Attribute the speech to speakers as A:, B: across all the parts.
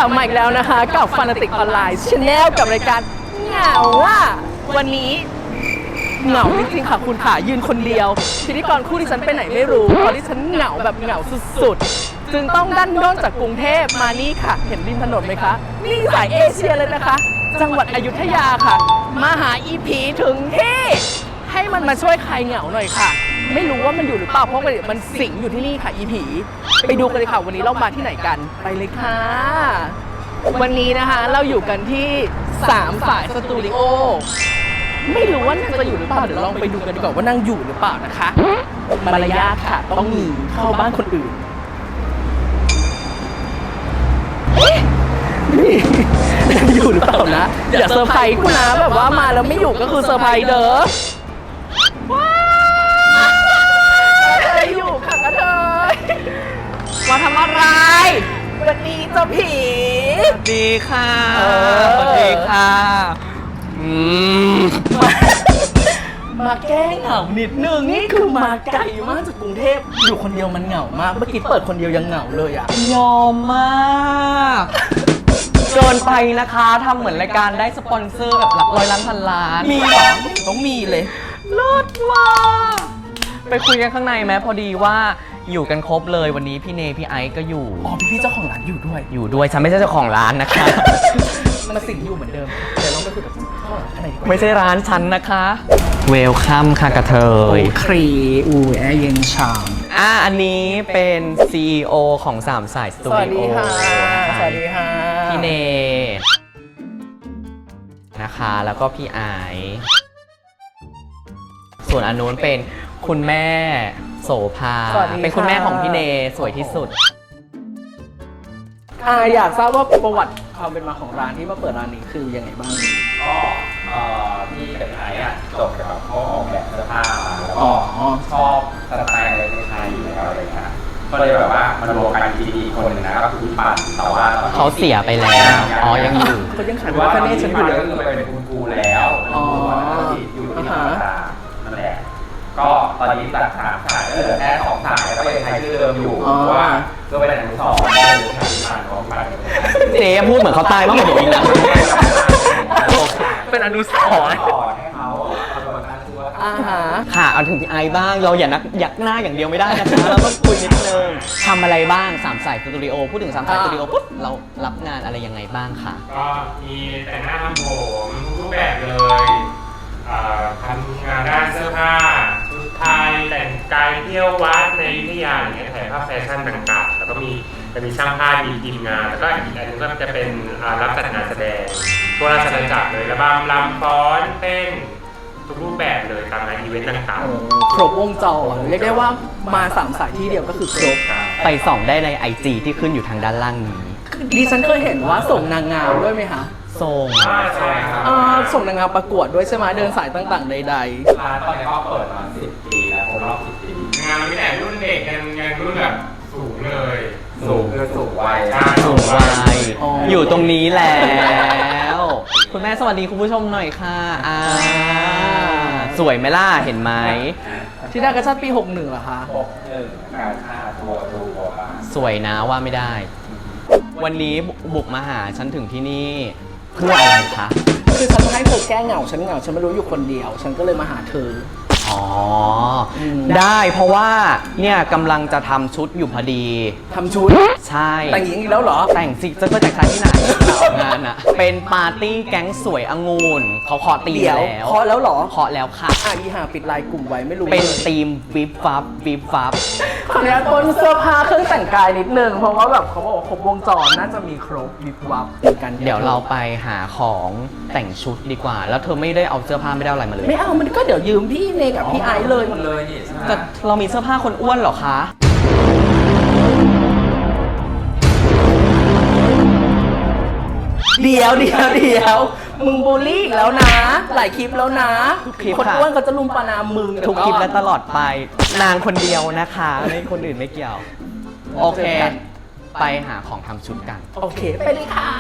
A: บมาอีกแล้วนะคะกับฟานาติกออนไลน์ชาแนลกับรายการเหงาว่าวันนี้เหงาจริงๆค่ะคุณขายืนคนเดียวพิธีกรคู่ที่ฉันไปไหนไม่รู้ตอนที่ฉันเหงาแบบเหงาสุดๆจึงต้องดันด้นจากกรุงเทพมานี่ค่ะเห็นริมถนนไหมคะนี่สายเอเชียเลยนะคะจังหวัดอยุธยาค่ะมาหาอีผีถึงที่ให้มันมาช่วยคลายเหงาหน่อยค่ะไม่รู้ว่ามันอยู่หรือเปล่าเพราะมันสิงอยู่ที่นี่ค่ะอีผีไปดูกันเลยค่ะวันนี้เรามาที่ไหนกันไปเลยค่ะวันนี้นะคะเราอยู่กันที่3 สายสตูดิโอไม่รู้ว่านางจะอยู่หรือเปล่าเดี๋ยวลองไปดูกันดีกว่าว่านางอยู่หรือเปล่านะคะมารยาทค่ะต้องมีเข้าบ้านคนอื่นนี่อยู่หรือเปล่านะอย่าเซอร์ไพรส์กูนะแบบว่ามาแล้วไม่อยู่ก็คือเซอร์ไพรส์เด้อว้าวอยู่ค่ะกระเทยมาทำอะไรวันนี้เจ้าผี
B: สวัสดีค่ะสวัสดีค่ะ
A: มาแก้เหงานิดนึงนี่คือมาไกลมากจากกรุงเทพอยู่คนเดียวมันเหงามากเมื่อกี้เปิดคนเดียวยังเหงาเลยอ่ะ
B: ยอมมากเกินไปนะคะทำเหมือนรายการได้สปอนเซอร์แบบหลักร้อยล้านพันล้าน
A: มีเหรอต้องมีเลย
B: เลิศมากไปคุยกันข้างในไหมพอดีว่าอยู่กันครบเลยวันนี้พี่เนพี่ไอซ์ก็อยู่
A: อ๋อพี่เจ้าของร้านอยู่ด้วย
B: ฉันไม่ใช่เจ้าของร้านนะคะ
A: มาสิงอยู่เหมือนเดิมเดี๋ยวลองไปคุยกับเจ้าของร้านข้างในดีกว่า
B: ไม่ใช่ร้านฉันนะคะเวลคัมค่ะกระเทย
A: ครีอูแอเย็นชาม
B: อันนี้เป็น CEO ของ3 สายสตูดิโอ
A: สวัสดีค่ะสวัสดีค่ะ
B: พี่เนนะคะแล้วก็พี่ไอซ์ส่วนอันนู้นเป็นคุณแม่โสภาเป็นคุณแม่ของพี่เนสวยที่สุด
A: อยากทราบว่าประวัติความเป็นมาของร้านที่มาเปิดร้านนี้คือยังไงบ้าง
C: ก็พี่กับไอ้จบกับเขาออกแบบเสื้อผ้ามาแล้วก็ชอบสไตล์อะไรไทยอยู่แล้วอะไรเงี้ยก็เลยแบบว่ามันรวมกันทีคนหนึ่งนะก็คือพี่ปั่นแต่ว่า
B: เขาเสียไปแล้วยังอยู่
A: เขายังขายว่าเนฉันอยู่เลย
C: ก็คือเป็นคุณครูแล้วอยู่ที่ธรรมศาสตร์นั่นแหละก็ตอนนี้ตัด3 สายเหลือแค่2 สายก็ยังใช้ชื่อเดิมอยู่เพราะว่าก็เป็นอนุสรณ์ของปั่น
B: เจ๊พูดเหมือนเขาตายมากกว่าผมอีกนะเป็นอนุสรณ์
C: ให้เขา
B: ค่ะเอาถึงพี่ไอบ้างเราอยากหน้าอย่างเดียวไม่ได้นะคะเราต้องคุยนิดนึงทำอะไรบ้าง3 สายสตูดิโอพูดถึง3 สายสตูดิโอปุ๊บเรารับงานอะไรยังไงบ้างค่ะ
D: ก็มีแต่งหน้าทำผมทุกแบบเลยทำงานด้านเสื้อผ้าชุดไทยแต่งกายเที่ยววัดในอยุธยาอย่างเงี้ยถ่ายภาพแฟชั่นต่างๆแล้วก็จะมีช่างภาพมีทีมงานแล้วก็อีกอันนึงก็จะเป็นรับจัดงานแสดงทั่วราชอาณาจักรเลยระบำรำฟ้อนเต้นทุกรูปแบบเลยตามงานอีเวนต์ต่าง
A: ๆครบวงจรเรียกได้ว่ามา3 สายที่เดียวก็คือครบ
B: ไปส่องได้ใน IG ที่ขึ้นอยู่ทางด้านล่างนี้
A: ดิฉันเคยเห็นว่าส่งนางงามด้วยไหมคะ
B: ส่ง
D: ใช่ครับ
A: ส่งนางงามประกวดด้วยใช่ไหมเดินสายต่างๆใด
C: ๆร้านตอนนี้ก็เปิดมา10 ปีแล้วครบรอบ10 ปี
D: งานมันไม่แต่รุ่นเด็กยังรุ่นแบบสูงเลย
C: สูงคือสูงวัย
B: สูงวัยอยู่ตรงนี้แล้วคุณแม่สวัสดีคุณผู้ชมหน่อยค่ะสวยไหมล่ะเห็นไหม
A: ที่ได้กระชับปี61เหรอคะ
C: 61งาน5 ตัว
B: สวยนะว่าไม่ได้วันนี้บุกมาหาฉันถึงที่นี่เพื่ออะไรคะ
A: คือฉันให้เธอแก้เหงาฉันไม่รู้อยู่คนเดียวฉันก็เลยมาหาเธอ
B: ได้เพราะว่าเนี่ยกำลังจะทำชุดอยู่พอดี
A: ทำชุด
B: ใช่
A: แต่งหญิงอีกแล้วเหรอ
B: แต่งสิจะไปแต่งชายที่ไหนงานอะเป็นปาร์ตี้แก๊งสวยองุ่นเขาเคาะตีแล้ว
A: เคาะแล้วเหรอ
B: เคาะแล้วค่ะ
A: อีหาปิดไลน์กลุ่มไว้ไม่รู้
B: เป็นทีมวิบฟับ
A: ขออนุญาตต้นเสื้อผ้าเครื่องแต่งกายนิดนึงเพราะว่าแบบเขาบอกว่าครบวงจรน่าจะมีครบวิบวับ
B: กันเดี๋ยวเราไปหาของแต่งชุดดีกว่าแล้วเธอไม่ได้เอาเสื้อผ้าไม่ได้อะไรมาเลย
A: ไม่เอามันก็เดี๋ยวยืมพี่เนกับพี่ไอซ์เลย
C: หมดเลยนี่
B: แต่เรามีเสื้อผ้าคนอ้วนเหรอคะ
A: เดี๋ยวมึงบูลลี่อีกแล้วนะหลายคลิปแล้วนะคนอ้วนเขาจะลุมปนามมึง
B: ทุกคลิปและตลอดไปนางคนเดียวนะคะไม่คนอื่นไม่เกี่ยวโอเคไปหาของทำชุดกัน
A: โอเคไปเลยค่ะ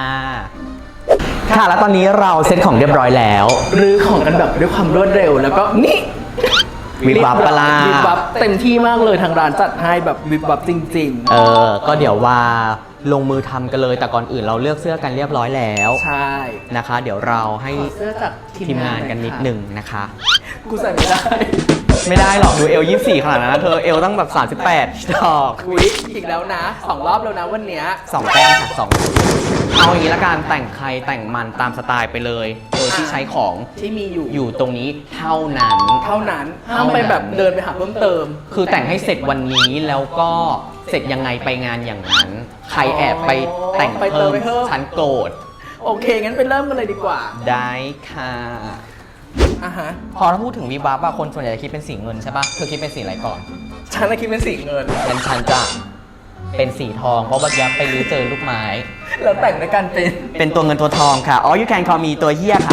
B: ค่ะแล้วตอนนี้เราเซ็ตของเรียบร้อยแล้ว
A: รื้อของกันแบบด้วยความรวดเร็วแล้วก็นี่
B: วิบวับปลา
A: วิบวับเต็มที่มากเลยทางร้านจัดให้แบบวิบวับจริง
B: ๆก็เดี๋ยวว่าลงมือทำกันเลย แต่ก่อนอื่นเราเลือกเสื้อกันเรียบร้อยแล้ว
A: ใช่
B: นะคะ เดี๋ยวเราให้
A: ขอเสื้อจาก
B: ทีมงานกันนิดหนึ่งนะคะ
A: กูใส่ไม่ได้
B: ไม่ได้หรอกดูเอล24ขนาดนั้นนะเธอเอลตั้งแบบ38ดอก
A: อุ๊ยอีกแล้วนะ2 รอบแล้วนะวันเนี้ย
B: 2 แต้มค่ะ2เอาอย่างนี้ละกันแต่งใครแต่งมันตามสไตล์ไปเลย โดยที่ใช้ของ
A: ที่มีอยู่
B: อยู่ตรงนี้เท่านั้น
A: เท่านั้นห้ามไปแบบเดินไปหาเพิ่มเติม
B: คือแต่งให้เสร็จวันนี้แล้วก็เสร็จยังไงไปงานอย่างนั้น ใครแอบไปแต่ง
A: ไปเติ
B: เพิ่
A: ม
B: ม
A: ไปเพิ่ม
B: ฉันโกรธ
A: โอเค งั้นไปเริ่มกันเลยดีกว่า
B: ได้ค่ะ
A: อ่ะฮะ
B: พอถ้าพูดถึงวิบวับอะคนส่วนใหญ่จะคิดเป็นสีเงินใช่ปะเธอคิดเป็นสีอะไรก่อน
A: ฉันน่ะคิดเป็นสีเงิน
B: งั้นฉันจะเป็นสีทองเพราะเมื่อกี้ไปรื้อเจอลูกไม้
A: แล้วแต่งในการเป็น
B: เป็นตัวเงินตัวทองค่ะอ๋อ you can call me ตัวเฮี้ยค่ะ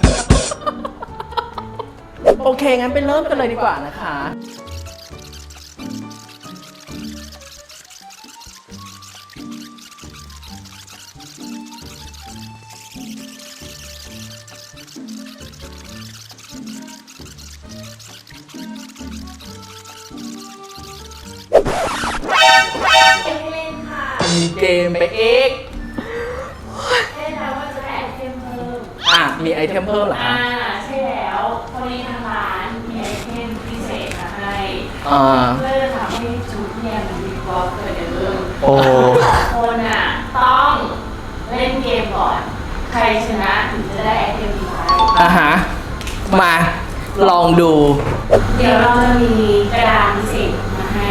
A: โอเค งั้นไปเริ่มกันเลยดีกว่านะคะ มีเกมไปอีก
E: ได้แล้วว่าจะได้ไอเทมเพิ่ม
A: มีไอเทมเพิ่มเหรอคะ
E: ใช่แล้วพอดีทางร้านมีไอเทมพิเศษมาให้
A: อ่า
E: เพื่อทำให้ชุดเนี่ยมันมีบล็อกเกิดเรื่อง
B: โอ้
E: คนต้องเล่นเกมก่อน ใครชนะถึงจะได้ไอเทมนี้ไป
A: อ่ะฮะ มาลองดู
E: เดี๋ยวเราจะมีกระดานพิเศษมาให้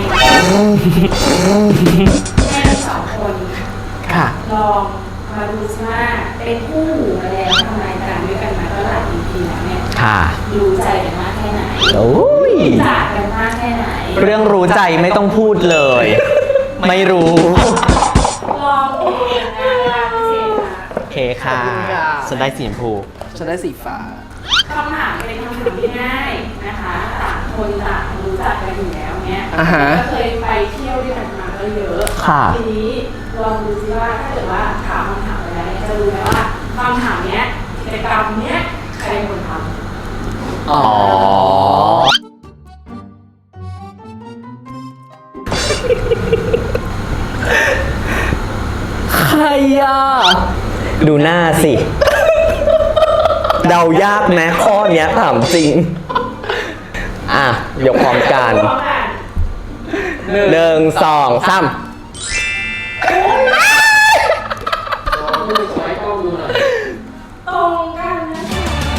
E: ให้ทั้งสองคน
A: ค่ะ
E: ลองมาดูซิว่าเป็นคู่หูมาแล้วทำรายการด้วยกันมาก็หลาย EP แล้วเนี่ย
B: ค่ะ
E: รู้ใจกันมากแค่ไหน
B: โอ้ย
E: จากกันมากแค่ไหน
B: เรื่องรู้ใจไม่ต้องพูดเลย ไม่รู้
E: ลองดูนะพิเศษนะ
B: โอเคค่ะ
A: ขอบคุณค่ะ
B: ฉันได้สีชมพู
A: ฉันได้สีฟ้า
E: คำถามเป็นคำถามที่ง่ายนะคะต่างคนต่างรู้จักกันอยู่แล้วเนี่ย
A: อ่าฮะ
E: ก็เคยไปเที่ยวด้วยกันมาก็เยอะ
B: ค่ะ
E: ทีนี้ลองดูซิว่าถ้าเกิดว่าถามคำถามไปแล้วเนี่ยจะรู้ไหมว่าคำถามเนี้ยกิจกรรมเนี้ยใครเป็นคนทำ
A: อ๋อ ใครอ่ะ
B: ดูหน้าสิ เดายากไหมข้อเนี้ยถามจริง อ่ะ ยกพร้อมกัน
E: พร้อมกัน
B: 1 2 3
E: ตรงกันนะคะ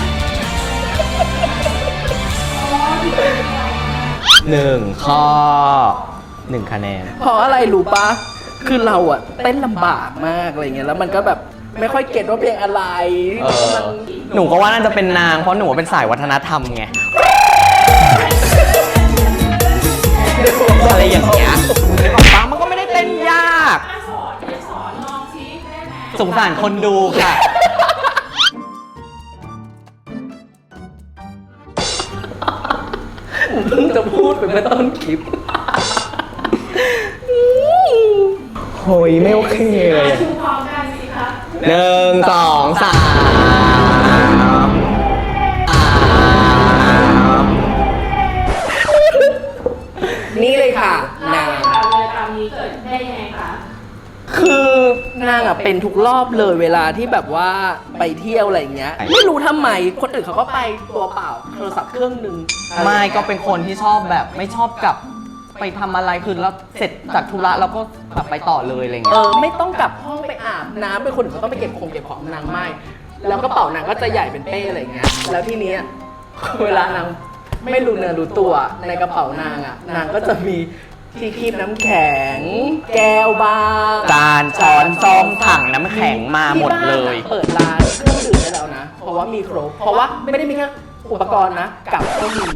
B: 1 ข้อ 1 คะแนน
A: เพราะอะไรรู้ปะคือเราอะเต้นลำบากมากอะไรเงี้ย แล้วมันก็แบบไม่ค่อยเก็ตว่าเพลงอะไร
B: เออ
A: มัน
B: หนูก็ว่าน่าจะเป็นนาง เพราะหนูเป็นสายวัฒนธรรมไง อะไรอย่างเงี้ยฟังมันก็ไม่ได้เต้นยาก
E: สอนลองซิได้ไหม
B: สงสารคนดูค่ะ
A: เพิ่งจะพูดไปเมื่อต้นคลิป
B: โหยไม่โอเคเลย
E: ชูพร้อมกันสิคะ
B: 1 2 3
A: นี่เลยค่ะ
E: เล่าน
A: าง
E: ค่ะเวลานี้เกิดได้ยังไงคะ
A: คือนางอะเป็นทุกรอบเลยเวลาที่แบบว่าไปเที่ยวอะไรอย่างเงี้ย ไม่รู้ทำไม คนอื่นเขาก็ไปตัวเปล่าโทรศัพท์เครื่องหนึ่ง
B: ไม่ก็เป็นคนที่ชอบแบบไม่ชอบกลับไปทำอะไรคือแล้วเสร็จจากธุระเราก็กลับไปต่อเลยอะไรเงี้ย
A: ไม่ต้องกลับห้องไปอาบน้ำเป็นคนอื่นเขาต้องไปเก็บของนางไม่ แล้วกระเป๋านางก็จะใหญ่เป็นเป้อะไรอย่างเงี้ย แล้วทีเนี้ยเวลานางไม่รู้เนื้อรู้ตัวในกระเป๋านางอะนางก็จะมีที่คีบน้ำแข็ง แก้วบาร์
B: จานช้อนซ่อมถังน้ำแข็งมาหมดเลย
A: ที่บ้านอะเปิดร้านเครื่องดื่มได้แล้วนะ เพราะว่ามีครบ เพราะว่าไม่ได้มีแค่อุปกรณ์นะกับก็มี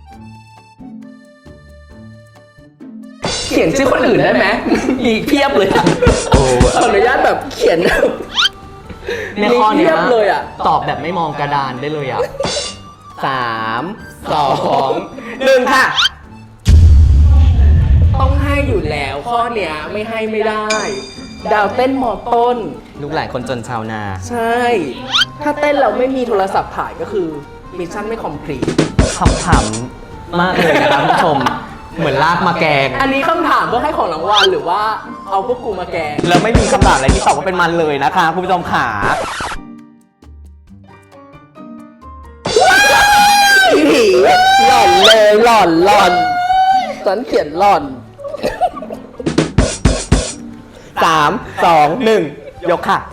A: เขียนชื่อคนอื่นได้ไหม มีเพียบเลยอะ
B: โอ้
A: ขออนุญาตแบบเขียน
B: ในข้อเนี้
A: มีเพียบเลยอะ
B: ตอบแบบไม่มองกระดานได้เลยอ่ะ 3 2 1 ค่ะ
A: ต้องให้อยู่แล้วข้อเนี้ยไม่ให้ไม่ได้ ดาวเต้นมอต้น
B: ลูกหลานคนจนชาวนา
A: ใช่ ถ้าเต้นเราไม่มีโทรศัพท์ถ่ายก็คือมิชชั่นไม่คอมพลีท
B: คำถามมากเลยนะครับผู้ชม เหมือนลากมาแกง
A: อันนี้คำถามเพื่อให้ของรางวัลหรือว่าเอาพวกกูมาแกง
B: แล้วไม่มีคำถามอะไรที่ตอบว่าเป็นมันเลยนะคะคุณผู้ชมขา
A: ผีหล่อนเลยหล่อนฉันเขียนหล่อน
B: 3 2 1 ยกค่ะ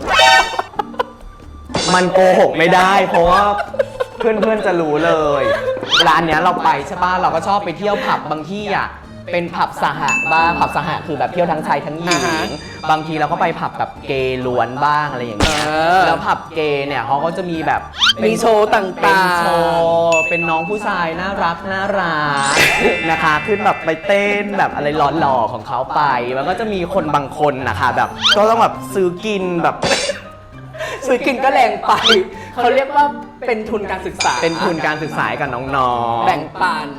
B: มันโกหกไม่ได้ เพราะว่าเพื่อนๆจะรู้เลยร้านเนี้ยเราไปใช่ป่ะเราก็ชอบไปเที่ยวผับบางที่อ่ะเป็นผับสหะบ้างผับสหะคือแบบเที่ยวทั้งชายทั้งหญิงบางทีเราก็ไปผับแบบเกย์ล้วนบ้างอะไรอย่างเงี้ยแล้วผับเกย์เนี่ยเขาก็จะมีแบบ
A: มีโชว์ต่
B: เป็น
A: าง
B: โชว์เป็นน้องผู้ชายน่ารักนะคะขึ้นแบบไปเต้นแบบอะไรหล่อๆของเขาไปมันก็จะมีคนบางคนนะคะแบบก็ต้องแบบซื้อกินแบบ
A: ๆซื้อกินก็แรงไปเขาเรียกว่าเป็นทุนการศึกษา
B: เป็นทุนการศึกษาให้กับน้องๆ
A: แบ่งปัน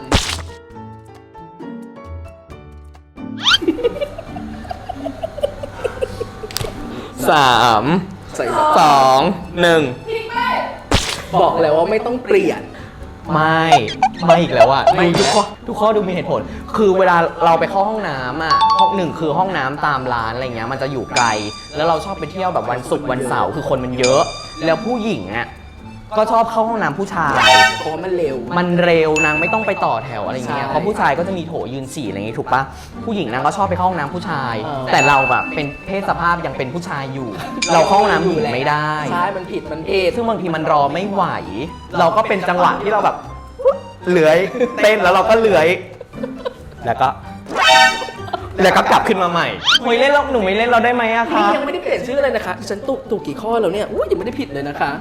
B: 3
A: ใส่
B: 2 1
A: บอกแล้วว่าไม่ต้องเปลี่ยน
B: ไม่อีกแล้วอะดูทุกข้อดูมีเหตุผล คือเวลาเราไปเข้าห้องน้ำอะห้องหนึ่งคือห้องน้ำตามร้านอะไรเงี้ยมันจะอยู่ไกล แล้วเราชอบไปเที่ยวแบบวันศุกร์วันเสาร์คือคนมันเยอะ แล้วผู้หญิงอะก็ชอบเข้าห้องน้ำผู้ชาย
A: เพราะว่ามันเร็ว
B: มันเร็วนางไม่ต้องไปต่อแถวอะไรเงี้ย
A: ใช่
B: เพราะผู้ชายก็จะมีโถยืนฉี่อะไรอย่างงี้ถูกปะผู้หญิงนางก็ชอบไปเข้าห้องน้ำผู้ชาย
A: เออ
B: แต่เราแบบเป็นเพศสภาพยังเป็นผู้ชายอยู่ เราเข้าห้องน้ำหญิงไม่ได้
A: ใช่มันผิดมันเพศ
B: ซึ่งบางทีมันรอไม่ไหว เราก็เป็นจังหวะที่เราแบบเลื้อยเต้นแล้วเราก็เลื้อยแล้วก็กลับขึ้นมาใหม่ไม่เล่นหนูไม่เล่นเราได้ไหมอะคะ
A: นี่ยังไม่ได้เปลี่ยนชื่อเลยนะคะฉันถูกกี่ข้อแล้วเนี่ยยังไม่ได้ผิดเลยนะคะ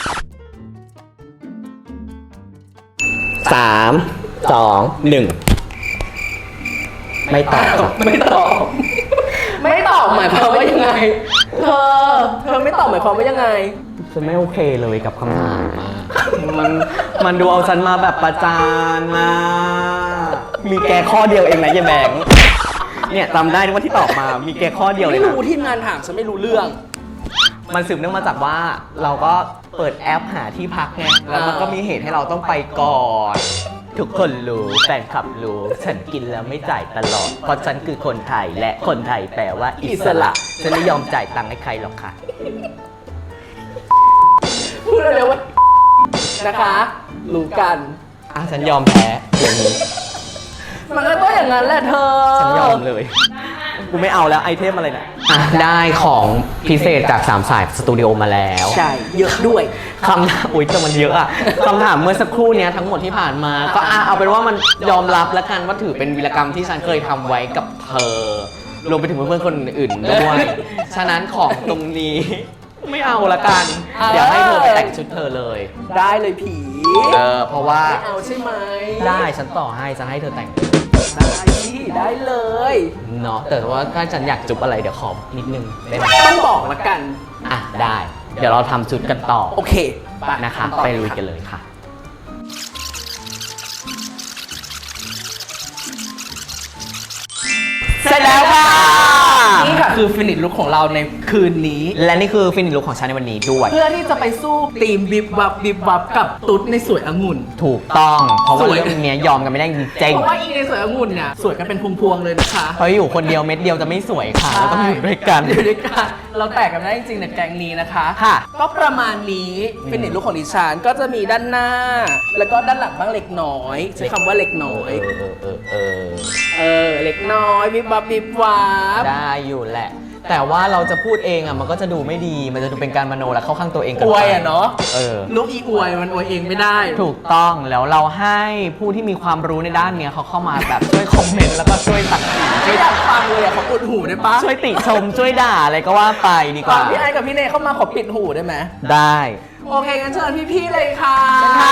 B: 3 2 1 ไม่ตอบ
A: ไม่ตอบ ไม่ตอบหมายความว่ายังไง เธอไม่ตอบหมายความว่ายังไง
B: ฉันไม่โอเคเลยกับคำถามมันดูเอาฉันมาแบบประจานนะมีแกข้อเดียวเองนะยายแบงค์เนี่ยจำได้ว่าที่ตอบมามีแกข้อเดียวเลย
A: ไม่
B: นะ
A: รู้ทีมงานถามฉันไม่รู้เรื่อง
B: มันสืบเนื่องมาจากว่าเราก็เปิดแอปหาที่พักไงแล้วมันก็มีเหตุให้เราต้องไปก่อน ทุกคนรู้แฟนคลับรู้ฉันกินแล้วไม่จ่ายตลอด เพราะฉันคือคนไทยและคนไทยแปลว่าอิสระฉันไม่ยอมจ่ายตังค์ให้ใครหรอกค่ะ
A: พูดเร็วๆว่านะคะ รู้กัน
B: ฉันยอมแพ้เดี๋ยวนี้
A: มันก็ต้องอย่างนั้นแหละเธอ
B: ฉันยอมเลย กูไม่เอาแล้วไอเทมอะไรเนี่ยได้ของพิเศษจาก3 สายสตูดิโอมาแล้ว
A: ใช่ เยอะด้วย
B: คำถามอุ๊ยแต่มันเยอะอะคำถามเมื่อสักครู่เนี้ยทั้งหมดที่ผ่านมา ก็เอาเป็นว่ามันยอมรับแล้วกันว่าถือเป็นวีรกรรมที่ฉันเคยทำไว้กับเธอ รวมไปถึงเพื่อนๆคนอื่นด้วย ฉะนั้นของตรงนี้ ไม่เอาละกัน เดี๋ยวให้เธอไปแต่งชุดเธอเลย
A: ได้เลยผี
B: เพราะว่า
A: ไม่เอาใช่ไหม
B: ได้ฉันต่อให้จะให้เธอแต่ง
A: ได้พี่ได้เลย
B: เนาะแต่ว่าถ้าฉันอยากจุบอะไรเดี๋ยวขอนิดนึงได้ไหม
A: ต้องบอกละกัน
B: ได้ เดี๋ยวเราทำชุดกันต่อ
A: โอเค
B: นะคะ ไปลุยกันเลยค่ะ เสร็จแล้วค่ะ
A: นี่ค่ะคือฟินิชลุคของเราในคืนนี้
B: และนี่คือฟินิชลุคของฉันในวันนี้ด้วย
A: เพื่อที่จะไปสู้ทีมบิบวับกับตุ๊ดในสวยองุ่น
B: ถูกต้อง เพราะว่า
A: สวย
B: เรื่องนี้ยอมกันไม่ได้จริง
A: เพราะว่าอีในสวยองุ่นเนี่ยสวยกันเป็นพวงๆเลยนะคะ
B: ๆเพราะอยู่คนเดียวเม็ดเดียวจะไม่สวยค่ะเราต้องอยู่ด้วยกัน
A: อยู่ด้วยกันเราแตกกันได้จริงๆในแกงนี้นะคะ
B: ค่ะ
A: ก็ประมาณนี้ฟินิชลุคของดิฉันก็จะมีด้านหน้า แล้วก็ด้านหลังบ้างเล็กน้อยใช้คำว่าเล็กน้อย เล็กน้อยวิบวับ
B: ได้อยู่แหละ แต่ว่าเราจะพูดเองอ่ะมันก็จะดูไม่ดี มันจะดูเป็นการมโนและเข้าข้างตัวเองเกิ
A: อน
B: ไป
A: วยอ่ะเนาะ
B: ลูก
A: อีอวยมันอวยเองไม่ได้
B: ถูกต้องแล้วเราให้ผู้ที่มีความรู้ในด้านเนี้ยเขาเข้ามาแบบช่วยคอมเมนต์แล้วก็ช่วยตัดสินช่
A: ไม่
B: วย
A: อยากฟังเลยอ่ะขออุดหูได้ปะ
B: ช่วยติชมช่วยด่าอะไรก็ว่าไปดีกว่า
A: พี่ไอกับพี่เนยเข้ามาขอปิดหูได้ไหม
B: ได้
A: โอเคงั้นเชิญพี่ๆเลยค่ะ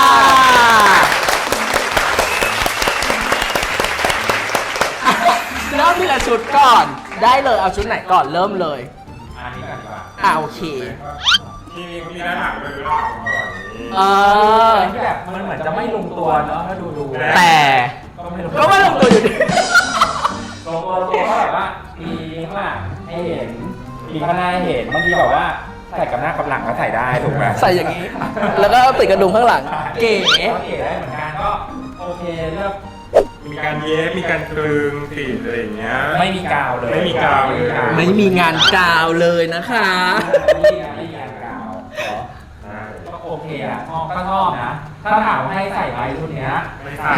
A: เริ่มทีละชุดก่อน ได้เลยเอาชุดไหนก่อนเริ่มเลย
C: อันนี้ก่อนดีกว่า
A: โอเค
D: มีด้านหลังเลยด้านหลังก่อนนี้
A: เออ
C: ที่แบบมันเหมือนจะไม่ลงตัวเนาะถ้าดู
B: แต่
C: ก็ไม่ลง
A: ก็ว่าลงตัวอยู่ดี
C: ลงตัวก็แบบว่ามีข้างหลังให้เห็นมีข้างหน้าให้เห็นบางทีแบบว่าใส่กับหน้ากับหลังก็ใส่ได้ถูกไหม
A: ใส่อย่างนี้ แล้วก็ติดกระดุมข้างหลัง เก๋
C: ก็เก๋ได้เหมือนกันก็โอเคเลือกมี
D: การเย็บมีการตรึงติดอะไรอย่างเงี้ย
C: ไม่มีกาวเลย
D: ไม่มีกาวเลย
A: ไม่มีงานกาวเลยนะคะ
C: ไม่มีงานกาวก็โอเคอะชอบก็ชอบนะ ถ้าถามให้ใส่ไว้ชุดเนี้ย
D: ไม่ใช่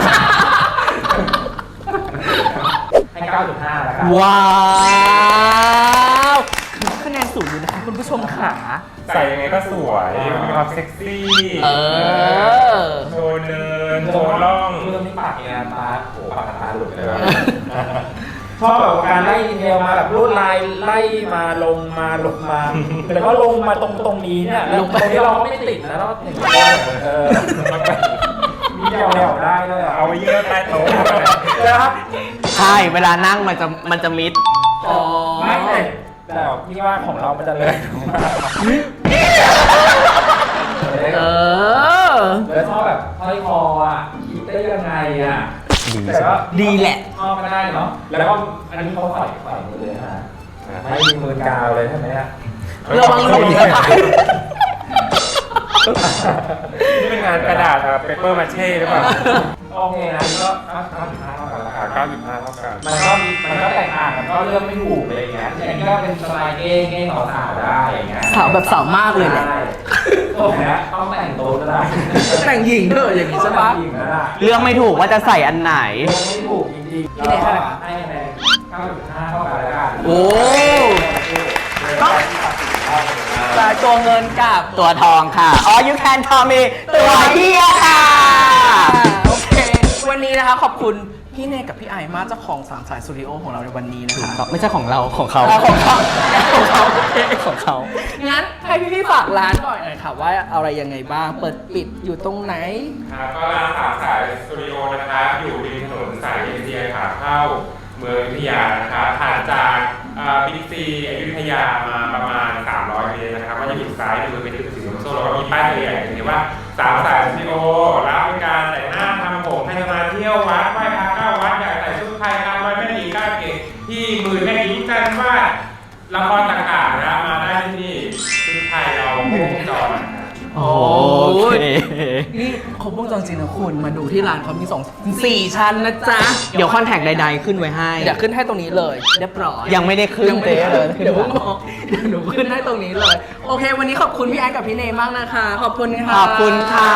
C: ให้ 9.5 แล้วกัน
A: ว้าวคะแนนสูงอยู่นะคะคุณผู้ชมค่ะ
D: ใส่ยังไงก็สวยมีความเซ็กซี่
A: เออ
D: โชว์เนินโชว์ร่อง
C: เรื่องนี้ปากเนี่ยตาโหปากตาหลุดเลย ชอบแบบการไล่ดีเทลมาแบบรูดลายไล่มาลงมาแต่ก็ลงมาตรงนี้เนี่ยแล้วตรงนี้เราก็ไม่ติดนะเราก็อย่างนี้มีเดาได้เลย
D: เอาไว้เยื่อใต้โต๊ะ
C: นะครับ
B: ใช่ เวลานั่งมันจะมิด
A: อ๋อ
C: ไม่แต่พี่ว่าของเรามันจะเลย
A: เออ
C: แล้วชอบแบบห้อยคออ่ะคิดได้ยังไงอ่ะแต่ก็
A: ดีแหละ
C: ชอบก็ได้เนาะแล้วก็อันนี้เขาใส่หมดเลยฮะไม่มีมือกาวเลยใช่ไหมเนี่ย
A: ระวังหลุดนะคะ
D: นี่เป็นงานกระดาษเปเปอร์มาเช่หรือเปล่า
C: โอเคนะนี่ก็9.5เท่ากันละ
D: 9.5 เท่ากัน
C: มันก็แตกต่างมันก็เลือกไม่ถูกอะไรอย่างเงี้ยอย่างนี้ก็เป็นสไตล์เก้งสาวๆได้อย่างเงี้ย
A: สาวแบบสาวมากเลยแหละ
C: โอ้โหนะต้องแต่งตัวก็ได้
A: แต่งหญิงเถอะอย่างนี้ใช่ปะ
C: หญิงก็ได้
B: เลือกไม่ถูกว่าจะใส่อันไหน
C: เลือกไม่ถูกจริงๆ
A: พี่เนยให้อะไร
C: ให้คะแนน 9.5 เท่ากันแล้วกัน
A: โอ้ก็จ่ายตัวเงินกับ
B: ตัวทองค่ะ All you can tell me ตัวเฮียค่ะ
A: โอเค วันนี้นะคะขอบคุณพี่เนยกับพี่ไอมากเจ้าของสามสายสตูดิโอของเราในวันนี้นะคะ
B: ไม่ใช่ของเราของเขา
A: ของเขาของเขาโอเค
B: ของเขา
A: งั้นให้พี่ฝากร้านก่อนหน่อยค่ะว่าอะไรยังไงบ้าง เปิดปิดอยู่ตรงไหน
D: ครับก็ร้านสามสายสตูดิโอนะครับอยู่ริมถนนสายเอเชียขาเข้าเมืองอยุธยานะครับผ่านจากบิ๊กซีอยุธยามาประมาณ 300 เมตรนะครับก็จะอยู่ซ้ายมือไปถึงสีลมโซ่แล้วก็มีป้ายตัวใหญ่เขียนว่าสามสายสตูดิโอรับบริการแต่งหน้าทำผมให้มาเที่ยววัดไหว้พระเข้าวัดอยากใส่ชุดไทยตามรอยแม่หญิงก้าวเก่งที่มือแม่หญิงจันวาดละครต่างๆนะมาได้ที่นี่ชุดไทยเราครบวงจรนะครับ
B: โอเค
A: นี่ครบวงจรจริงนะคุณมาดูที่ร้านเขามี4 ชั้นนะจ๊ะ
B: เดี๋ยวคอนแทคใดๆขึ้นไว้ให้
A: เดี๋ยวขึ้นให้ตรงนี้เลยเรียบร้อย
B: ยังไม่ได้ขึ้น
A: ยังไม่ได้
B: เลย
A: เดี๋ยวผมบอกเดี๋ยวหนูขึ้นให้ตรงนี้เลย โอเค วันนี้ขอบคุณพี่แอนกับพี่เนยมากนะคะ ขอบคุณค่ะ
B: ขอบคุณค่ะ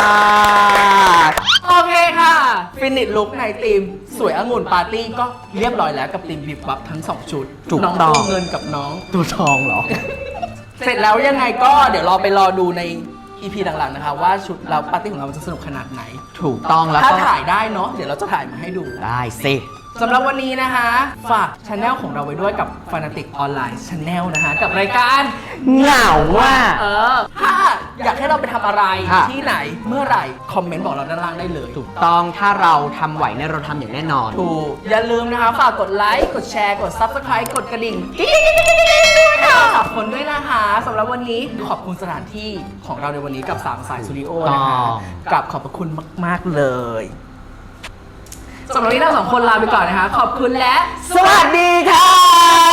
A: โอเคค่ะ ฟินิชลุกในทีมสวยองุ่นปาร์ตี้ก็เรียบร้อยแล้วกับทีมบิบบับทั้ง 2 ชุด
B: ถูก
A: น้อง
B: ต้อง
A: ตัวเงินกับน้อง
B: ตัวทองเหรอ
A: เสร็จแล้วยังไงก็เดี๋ยวเราไปรอดูใน EP หลังๆนะคะว่าชุดเราปาร์ตี้ของเราจะสนุกขนาดไหน
B: ถูกต้องแล้ว
A: ถ้า
B: ก็
A: ถ่ายได้เนาะเดี๋ยวเราจะถ่ายมาให้ดู
B: ได้สิ
A: สำหรับวันนี้นะคะ ฝากช anel ของเราไว้ด้วยกับ Fanatic Online Channel นะคะกับรายการ
B: เหงาว่า
A: ถ้าอยากให้เราไปทำอะไร
B: ค่ะ
A: ที่ไหนเมื่อไหร่ คอมเมนต์บอกเราด้านล่างได้เลย
B: ถูกต้องถ้าเราทำไหวเนี่ยเราทำอย่างแน่นอน
A: ถูกอย่าลืมนะคะ ฝากกดไลค์ กดแชร์ กด Subscribe กดกระดิ่งด้วยค่ะขอบคุณด้วยนะคะสำหรับวันนี้ขอบคุณสถานที่ของเราในวันนี้กับ3สายสตูดิโอนะคะ
B: ต้อง
A: กับขอบพระคุณมาก ๆ เลยสำหรับวันนี้เรา2 คนลาไปก่อนนะคะ ขอบคุณและ
B: สวัสดีค่ะ